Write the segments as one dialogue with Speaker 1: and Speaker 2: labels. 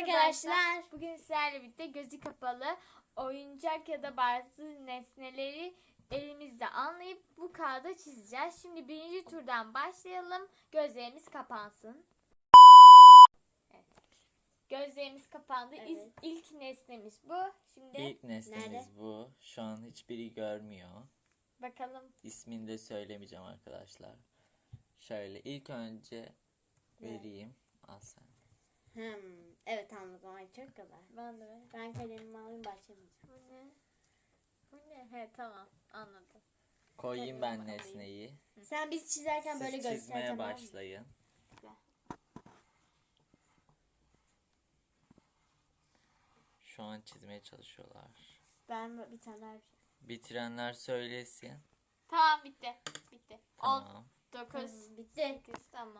Speaker 1: arkadaşlar.
Speaker 2: Bugün sizlerle birlikte gözü kapalı oyuncak ya da bazı nesneleri elimizde anlayıp bu kağıda çizeceğiz. Şimdi birinci turdan başlayalım. Gözlerimiz kapansın. Evet. Gözlerimiz kapandı.
Speaker 1: Evet.
Speaker 2: İlk nesnemiz bu. Şimdi
Speaker 3: İlk nesnemiz
Speaker 1: nerede?
Speaker 3: bu. Şu an hiçbiri görmüyor.
Speaker 2: bakalım.
Speaker 3: İsmini de söylemeyeceğim arkadaşlar. Şöyle ilk önce vereyim. Al sen.
Speaker 1: Evet anladım. Ay çok kolay.
Speaker 2: Ben de.
Speaker 1: Ben kalemimi alayım başlamayacağım.
Speaker 2: Bu ne? Bu ne? He tamam anladım.
Speaker 3: Koyayım
Speaker 2: Kalemimi
Speaker 3: ben
Speaker 2: alayım.
Speaker 3: nesneyi.
Speaker 1: Sen biz çizerken böyle
Speaker 3: Siz
Speaker 1: göster,
Speaker 3: çizmeye
Speaker 1: tamam mı?
Speaker 3: başlayın. Şu an çizmeye çalışıyorlar.
Speaker 1: Ben bir tane daha yapacağım.
Speaker 3: Bitirenler söylesin.
Speaker 2: Tamam bitti. Bitti.
Speaker 3: Tamam.
Speaker 2: 9
Speaker 1: Bitti.
Speaker 2: 8 tamam.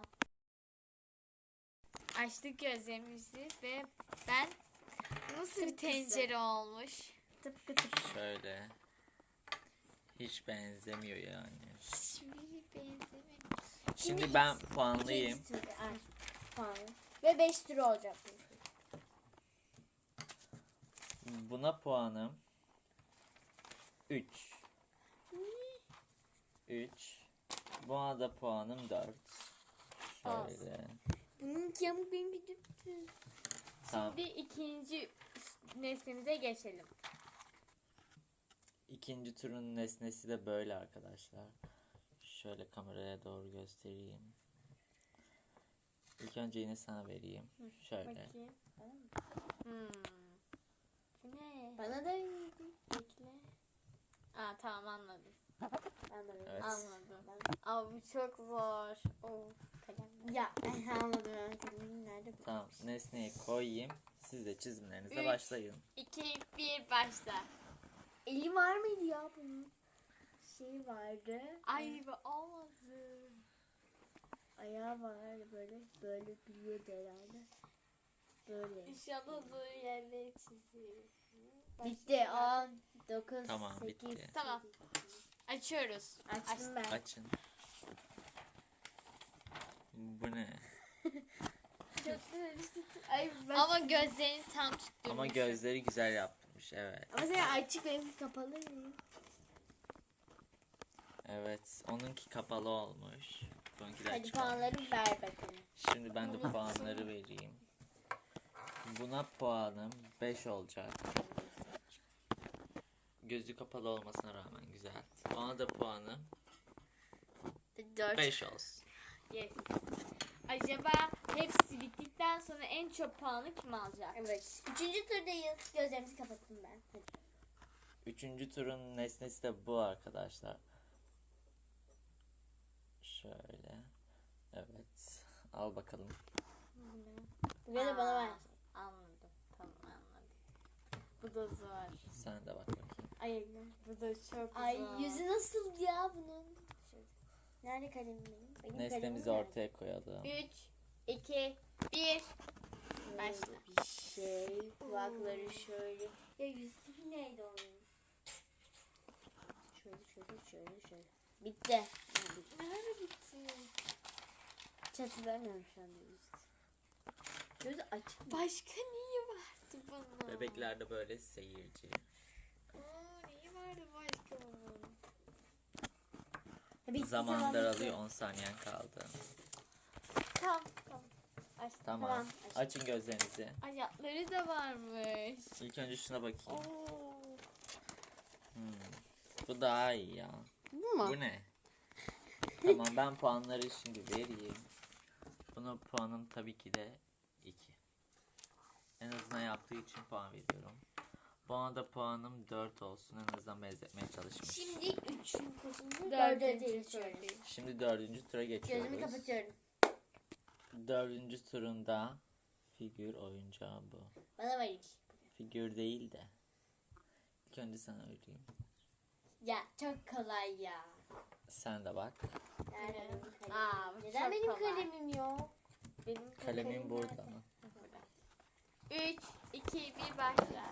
Speaker 2: Açtık gözlerimizi ve ben nasıl bir tencere olmuş?
Speaker 1: Tıpkı tıpkı.
Speaker 3: Şöyle. Hiç benzemiyor yani.
Speaker 2: Hiçbiri benzememiş.
Speaker 3: Şimdi ben puanlayayım.
Speaker 1: İkinci türü. Ay, puan. Ve 5 tür olacak.
Speaker 3: Buna puanım 3. 3. Buna da puanım 4. Şöyle.
Speaker 1: Bunun yamuk benim bir düptü.
Speaker 3: Tamam.
Speaker 2: Şimdi ikinci nesnemize geçelim.
Speaker 3: İkinci turun nesnesi de böyle arkadaşlar. Şöyle kameraya doğru göstereyim. İlk önce yine sana vereyim. Şöyle.
Speaker 2: Bakayım. Bu ne?
Speaker 1: Bana da verdi.
Speaker 2: Bekle. Aa tamam anladım.
Speaker 1: Ben de verdim.
Speaker 3: Evet.
Speaker 2: Anladım. Aa bu çok zor. Of kalem.
Speaker 1: Ya anladım. Ben kalemim nerede bu?
Speaker 3: Tamam. Nesneyi koyayım. Siz de çizimlerinize
Speaker 2: Üç.
Speaker 3: başlayın.
Speaker 2: 2 1 başla.
Speaker 1: Eli var mıydı ya bunun? Şey vardı.
Speaker 2: Ay bu olmadı.
Speaker 1: Ayağı var böyle gülüyordu herhalde. Böyle.
Speaker 2: İnşallah doğru yerleri çiziyorsun.
Speaker 1: Bitti. 10, 9,
Speaker 3: Tamam,
Speaker 1: 8.
Speaker 3: bitti.
Speaker 2: Tamam. Açıyoruz.
Speaker 1: Açtım ben.
Speaker 3: Açın. Bu ne?
Speaker 1: Ay, ben...
Speaker 2: Ama gözlerini tam tutturmuş.
Speaker 3: Ama gözleri güzel yapmış. Evet.
Speaker 1: Ama senin açık benimki kapalı.
Speaker 3: Evet. Onunki kapalı olmuş. Bununki de
Speaker 1: Hadi
Speaker 3: açık
Speaker 1: puanları
Speaker 3: olmuş.
Speaker 1: ver bakalım.
Speaker 3: Şimdi ben de puanları vereyim. Buna puanım 5 olacak. Gözü kapalı olmasına rağmen güzel. Ona da puanım
Speaker 1: 4.
Speaker 3: 5 olsun.
Speaker 2: Yes. Acaba hepsi bittikten sonra en çok puanı kim alacak?
Speaker 1: Evet. 3. turdayız. Gözlerimizi kapattım ben. Hadi.
Speaker 3: Üçüncü turun nesnesi de bu arkadaşlar. Şöyle. Evet. Al bakalım.
Speaker 1: Buraya da bana ver.
Speaker 2: Anladım. Tamam anladım. Bu da zor.
Speaker 3: Sen de bak bakayım.
Speaker 1: Ay,
Speaker 2: Bu da çok
Speaker 1: ay
Speaker 2: zor.
Speaker 1: yüzü nasıl ya bunun? Nerede kalemim benim? Benim
Speaker 3: Nesnemizi
Speaker 1: kalemim
Speaker 3: ortaya koyalım.
Speaker 2: 3 2 1
Speaker 1: nerede?
Speaker 2: başla.
Speaker 1: Bir şey. Kulakları şöyle. Ya yüzü neydi onun? Şöyle. Bitti.
Speaker 2: Nerede bitti?
Speaker 1: Çatılamıyorum şu anda yüzü. Gözü açık.
Speaker 2: Başka neyi vardı bunun?
Speaker 3: Bebekler de böyle seyirci.
Speaker 2: Neyi vardı başka bunun?
Speaker 1: Bitti,
Speaker 3: Zaman
Speaker 1: tamam,
Speaker 3: daralıyor.
Speaker 1: bitti.
Speaker 3: 10 saniyen kaldı.
Speaker 2: Tamam. Açtım.
Speaker 3: Tamam.
Speaker 1: Tamam,
Speaker 3: Açın gözlerinizi.
Speaker 2: Ayakları da varmış.
Speaker 3: İlk önce şuna bakayım.
Speaker 2: Oo.
Speaker 3: Bu daha iyi ya.
Speaker 1: Bu mu?
Speaker 3: Bu ne? Tamam, ben puanları şimdi vereyim. Buna puanım tabii ki de 2. En azından yaptığı için puan veriyorum. Buna da puanım 4 olsun. En azından benzetmeye çalışmış.
Speaker 1: Şimdi 3'ün kaçıncı?
Speaker 2: Dördüncü
Speaker 1: 4'e geçiyoruz.
Speaker 2: tur.
Speaker 3: Şimdi 4. tura geçiyoruz.
Speaker 1: Gözümü kapatıyorum.
Speaker 3: 4. turunda figür oyuncağı bu.
Speaker 1: Bana ver ilk.
Speaker 3: Figür değil de. İlk önce sana vereyim.
Speaker 1: Ya çok kolay ya.
Speaker 3: Sen de bak.
Speaker 1: Nerede
Speaker 2: Evet.
Speaker 1: benim kalemim?
Speaker 2: Aa, bu
Speaker 1: Neden
Speaker 2: çok
Speaker 1: benim
Speaker 2: kolay.
Speaker 1: kalemim yok?
Speaker 2: Benim
Speaker 3: Kalemim burada.
Speaker 2: 3 2 1 başla.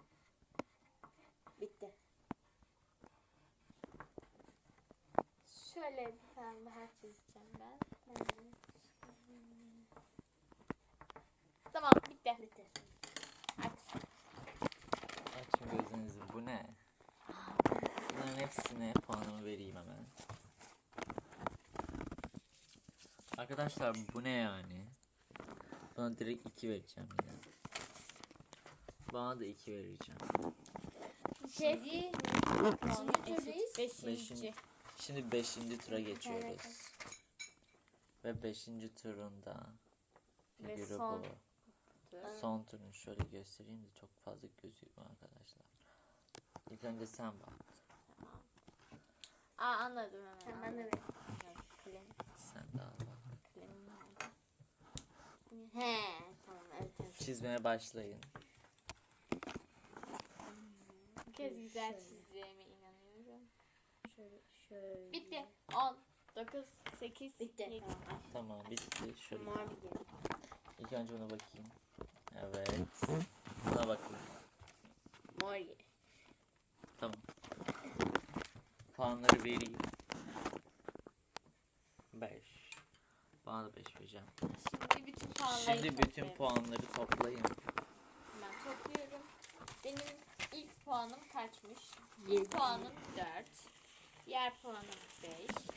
Speaker 1: Bitti.
Speaker 2: şöyle bir tane daha çizeceğim ben. Tamam bitti.
Speaker 1: Bitti.
Speaker 2: Aç.
Speaker 3: Açın gözünüzü. Bu ne? Bunların hepsine puanımı vereyim hemen. Arkadaşlar bu ne yani? Buna direkt 2 vereceğim yine. Bana da 2 vereceğim.
Speaker 1: Şimdi kaçıncı turdayız?
Speaker 2: Beşinci.
Speaker 3: Şimdi 5. tura geçiyoruz. Ve 5. turunda
Speaker 2: Ve
Speaker 3: figürü
Speaker 2: son
Speaker 3: bu. Son turunu şöyle göstereyim de çok fazla gözükmüyor arkadaşlar. İlk önce sen bak.
Speaker 2: Aa anladım hemen.
Speaker 1: Tamam, ben de
Speaker 2: anladım.
Speaker 1: Kalem.
Speaker 3: Sen daha bak.
Speaker 2: Kalemim nerede?
Speaker 1: He tamam evet.
Speaker 3: Çizmeye başlayın.
Speaker 2: Bir kez güzel
Speaker 1: Şöyle.
Speaker 2: çizeceğime inanıyorum.
Speaker 1: Şöyle.
Speaker 2: Bitti. 10, 9, 8,
Speaker 1: Bitti.
Speaker 2: 7.
Speaker 1: Tamam.
Speaker 3: Tamam bitti. Şöyle.
Speaker 1: Mavi gelin.
Speaker 3: İlk önce buna bakayım. Evet. Buna bakayım.
Speaker 1: Mor gelin.
Speaker 3: Tamam. Puanları vereyim. 5. Bana da 5 vereceğim.
Speaker 2: Şimdi bütün puanları
Speaker 3: Şimdi bütün
Speaker 2: toplayalım.
Speaker 3: puanları toplayın.
Speaker 2: Ben topluyorum. Benim ilk puanım kaçmış?
Speaker 1: Yedi.
Speaker 2: İlk puanım 4. Diğer puanım 5.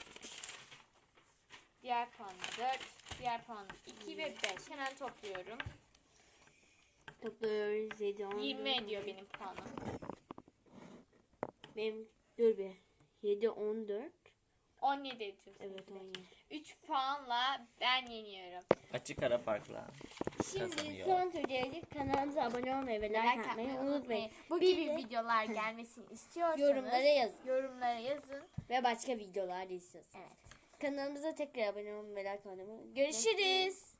Speaker 2: Diğer puanım 4. Diğer puanım 2 ve 5. Hemen topluyorum.
Speaker 1: Topluyoruz 7, 10.
Speaker 2: 20 ediyor benim puanım.
Speaker 1: Benim dur bir. 7, 14.
Speaker 2: 17 ediyor.
Speaker 1: Evet 17.
Speaker 2: 3 puanla ben yeniyorum.
Speaker 3: Açık ara farkla.
Speaker 1: Şimdi
Speaker 3: Kazanıyor.
Speaker 1: son turda kanalımıza abone olmayı ve like atmayı unutmayın.
Speaker 2: Bu
Speaker 1: Bir
Speaker 2: gibi
Speaker 1: de
Speaker 2: videolar gelmesini istiyorsanız
Speaker 1: yorumlara yazın.
Speaker 2: yorumlara yazın.
Speaker 1: Ve başka videolar da istiyorsanız.
Speaker 2: Evet.
Speaker 1: Kanalımıza tekrar abone olmayı ve like atmayı unutmayın. Görüşürüz.